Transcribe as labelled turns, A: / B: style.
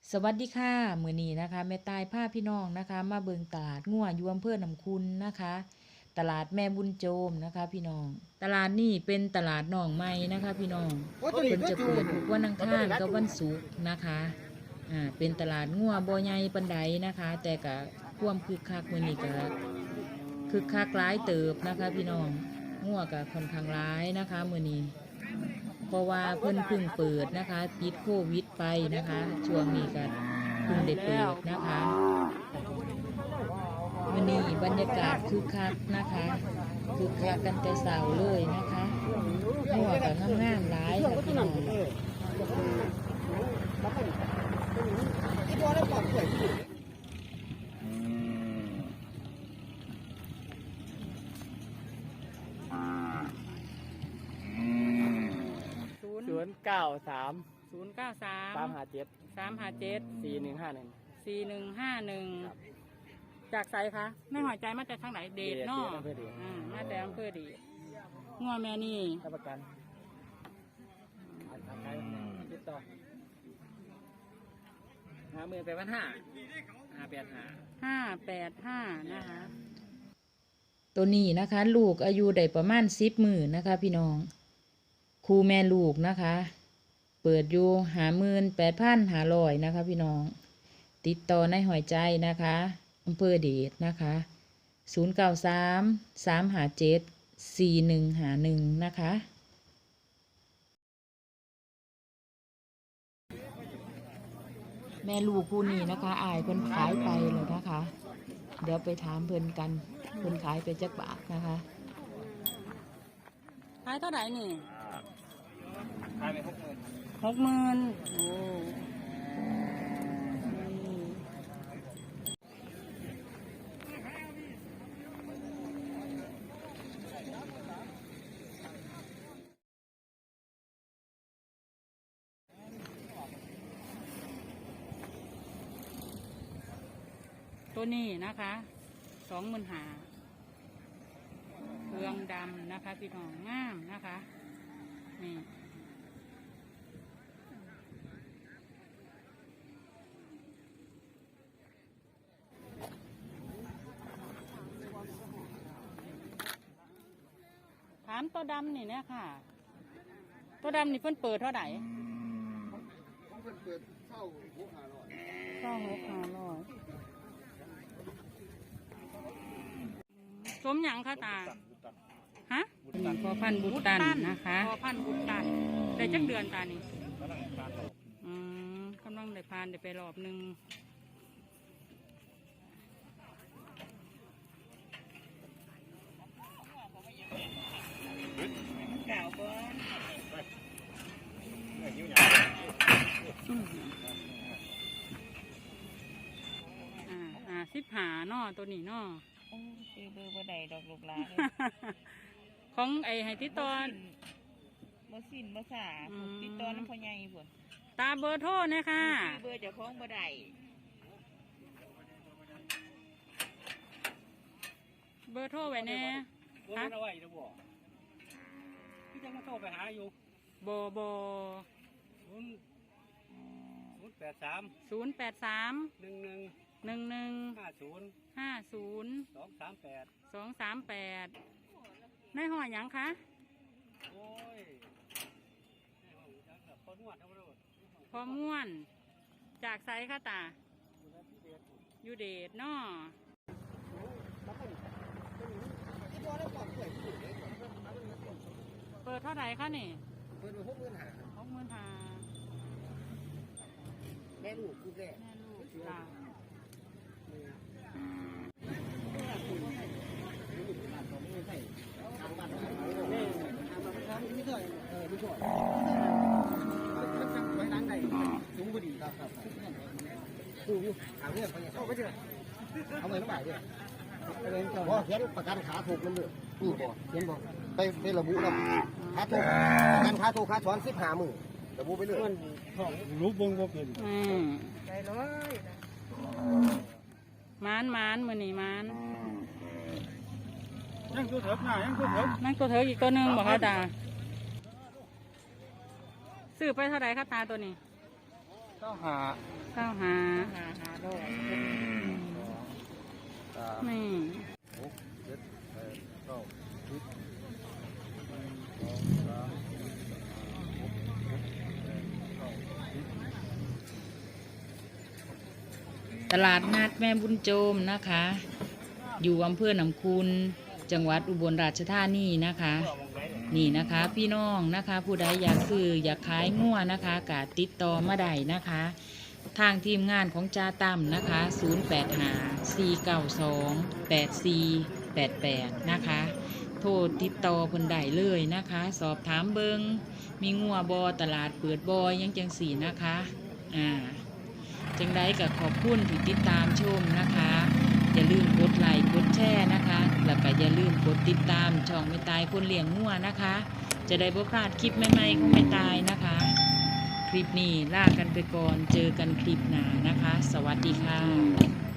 A: สวัสดีค่ะมื้อนี้นะคะแม่ตายพาพี่น้องนะคะมาเบิงตลาดงัวอยู่อำเภอหนำคุณนะคะ ตลาดแม่บุญโจมนะคะพี่น้องตลาดนี้เป็นตลาดหนองไม้นะคะพี่น้องเพิ่นจะเปิดทุกวันอังคารกับวันศุกร์นะคะเป็นตลาดงัวบ่ใหญ่ปานใดนะคะ แต่ก็ความคึกคักมื้อนี้ก็คึกคักหลายเติบนะคะพี่น้องงัวก็ค่อนข้างหลายนะคะมื้อนี้ เพราะว่าเพิ่นเพิ่งเปิดนะคะปิดโควิดไปนะคะช่วงนี้ก็เพิ่งได้เปิดนะคะวันนี้บรรยากาศคึกคักนะคะคึกคักกันแต่เช้าเลยนะคะหัวกับงามๆหลายค่ะพี่น้อง
B: 093
C: 093 357
B: 4151
C: 4151จากไสคะไม่หอยใจมาจากทางไหนเดชเนาะมาแต่อำเภอเดชงัวแม่นี่
B: รับประกันติดต่อ
C: 585นะคะ
A: ตัวนี้นะคะลูกอายุได้ประมาณ10 มื้อนะคะพี่น้องครูแม่ลูกนะคะเปิดอยู่58,500นะคะพี่น้องติดต่อในหอยใจนะคะอำเภอเดชนะคะ093 357 4151นะคะแม่ลูกคู่นี้นะคะอายเพิ่นขายไปเลยนะคะเดี๋ยวไปถามเพิ่นกันเพิ่นขายไปจักบาทนะคะ
C: ขายเท่าไหร่นี่
B: ขายไป60,000
C: 60,000โอ้ตัวนี้นะคะ25,000เครื่องดำนะคะพี่น้องงามนะคะนี่ถามตัวดำนี่เนี่ยค่ะตัวดำนี่เพิ่นเปิดเท่าไหร่26,500สมหยังคะตาฮะนี่พอพันธุ์บุตตันนะคะพอพันธุ์บุตตันได้จักเดือนตานี่กำลังได้พานได้ไปรอบหนึ่ง15นอตัวนี้นอ
D: ซื้อเบอร์บ่ได้ดอกลูกหลาน
C: ของไอ้ไฮติตอน
D: บ่สิ้นบ่สาติดต่อน้ำพ่อใหญ่พุ่น
C: ตาเบอร์โทรนะคะ
D: ซื้อเบอร์เจ้าของบ่ได้
C: เบอร์โทรไว้แน่
B: ฮะเอาไว้นะบ่พี่จะมาโทรไปหาอยู่
C: บ083 11 50 ในห้อยหยังคะ
B: โอ้ย
C: พอม่วนจากไซค่ะตายูเดชเนาะเปิดเท่าไหร่คะนี่
B: เปิดไป65,000แม่ลูกคือแม่
C: ลูกจ้า
B: เอาเงินมาด้วยพอเขียนประกันขาถูกนั่นเลยนี่บ่เขียนบ่ไประบุแล้วขาถูกประกันขาถูกขาช้อน15,000ระบุไปเลยรู้เบิ่งบ่เป็น
C: ใจเลยมานมือนี่มาน
B: ยังตัวเถิดหน้ายังตัวเถิด
C: นั่งตัวเถิดอีกตัวหนึ่งบอกเขาตาซื้อไปเท่าไหร่คะตาตัวนี้เก้าหา
D: หาดอก
C: นี่
B: 6 7 8 9
A: ตลาดนัดแม่บุญโจมนะคะ อยู่อำเภอหนองคูนจังหวัดอุบลราชธานีนะคะ นี่นะคะพี่น้องนะคะ ผู้ใดอยากซื้ออยากขายงัวนะคะก็ติดต่อมาได้นะคะ ทางทีมงานของจ่าตั้มนะคะ0854928488นะคะโทรติดต่อเพิ่นได้เลยนะคะ สอบถามเบิงมีงัวบอตลาดเปิดบอยยังจังสีนะคะจังใดก็ขอบคุณที่ติดตามชมนะคะอย่าลืมกดไลค์กดแชร์นะคะแล้วก็อย่าลืมกดติดตามช่องไม่ตายคนเลี้ยงงัวนะคะ จะได้บ่พลาดคลิปใหม่ๆของไม่ตายนะคะ คลิปนี้ลากันไปก่อนเจอกันคลิปหน้านะคะ สวัสดีค่ะ